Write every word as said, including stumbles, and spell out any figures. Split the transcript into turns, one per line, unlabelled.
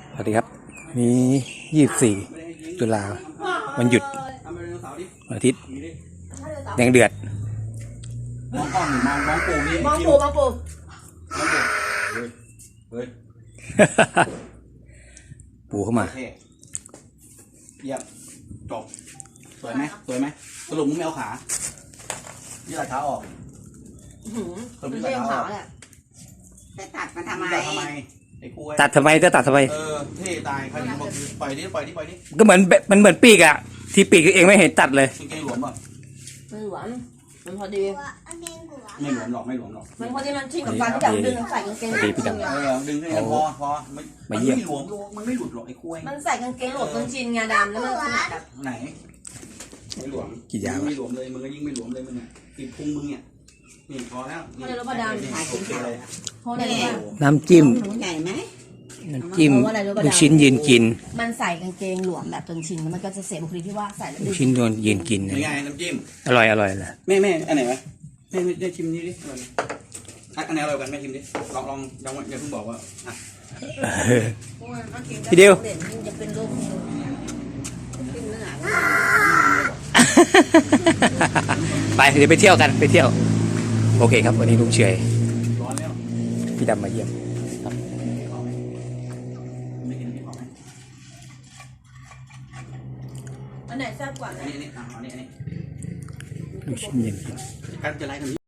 สวัสดีครับนี่ยี่สิบสี่ตุลาวันหยุดวันอาทิตย์แดงเดือด
มองกล้องมองมองปูนี่
มองปูมองปู
เฮ้ยเฮ้ย
ปูเข้ามา
เยี่ยมจบสวยไหมสวยไหมสรุปมึงไม่เอาขายืดขาออก
สรุปไม่เอาขาแหละ
จะตัดมันทำไม
ตัดทำไมไอ้กู
ตัดทำไมจะตัดทำไม
เออเท่ตายใครจะบอกปล่อยดิปล่อยดิปล่อยดิ
ก็เหมือนมันเหมือนปีกอะที่ปีกเองไม่เห็นตัดเลย
กางเกงหลวมป่ะ
ไม่หลวมมันพอดี
ไม่หลวมหรอกไม่หลวมหรอก
มันพอดีมันชินกับการที่แบบดึงใส่กางเกง
ดีพี่ดำ
เออดึงให้พอพอมันไม่หลวมมันไม่หลุดหรอกไอ้คุย
มันใส่กางเกงหลวมจนชินงาดำแล้วมันแบบ
ไหนไม่หลวม
กี่ยาง
ไม่หลวมเลยมึงก็ยิ่งไม่หลวมเลยมึงเนี่ยติดพุงมึงเนี่ยนี่พอแล้ว
เพราะในรถประดามถ่ายกินข้าวเพราะในรถ
น้ำจิ้ม
ใหญ่ไหม
น้ำจิ้มลูกชิ้นยืนกิน
มันใส่กางเกงหลวมแบบจนชินแล้วมันก็จะเสียบุคลิกที่ว่าใส่แล้ว
ลูกชิ้นโดนยืนกิน
ยังไงน้ำจิ้ม
อร่อยอร่อยเลย
แม่แม่อันไหนวะแม่แม่ชิมนี่ดิอันไหนอร่อยกันแม่ชิมดิลองลองยังอย่าเพิ่งบอกว่าอ่ะ
พี่เดียว
จะเป็นรูป
ไปเดี๋ยวไปเที่ยวกันไปเที่ยวโอเคครับวันนี้ลุงเฉยพี่ดำมาเยี่ยม
อันไหนแซ่บกว่า
อันนี้อันนี้อันนี้อันนี้
ลูกชิ้นยืนกิน
การจะไล่กัน